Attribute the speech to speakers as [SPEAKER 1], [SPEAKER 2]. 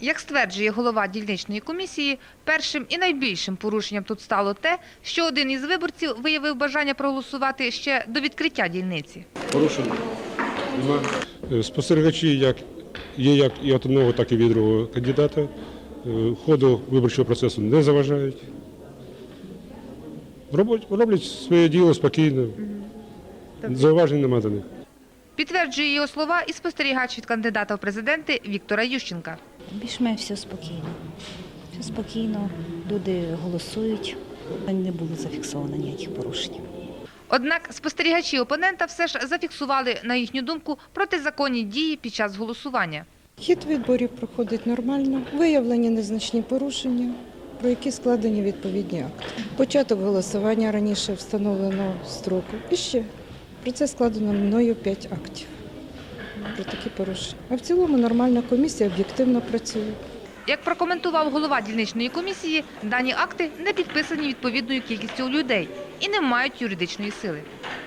[SPEAKER 1] Як стверджує голова дільничної комісії, першим і найбільшим порушенням тут стало те, що один із виборців виявив бажання проголосувати ще до відкриття дільниці.
[SPEAKER 2] Порушень немає. Спостерігачі є як і від одного, так і від другого кандидата. Ходу виборчого процесу не заважають. Роблять своє діло спокійно. Зауважень немає до них.
[SPEAKER 1] Підтверджує його слова і спостерігач від кандидата в президенти Віктора Ющенка.
[SPEAKER 3] Більш-менш все спокійно. Все спокійно, люди голосують. Не було зафіксовано ніяких порушень.
[SPEAKER 1] Однак спостерігачі опонента все ж зафіксували, на їхню думку, протизаконні дії під час голосування.
[SPEAKER 4] Хід виборів проходить нормально, виявлені незначні порушення, про які складені відповідні акти. Початок голосування раніше встановленого строку. І ще про це складено мною 5 актів про такі порушення. А в цілому нормальна комісія об'єктивно працює.
[SPEAKER 1] Як прокоментував голова дільничної комісії, дані акти не підписані відповідною кількістю людей і не мають юридичної сили.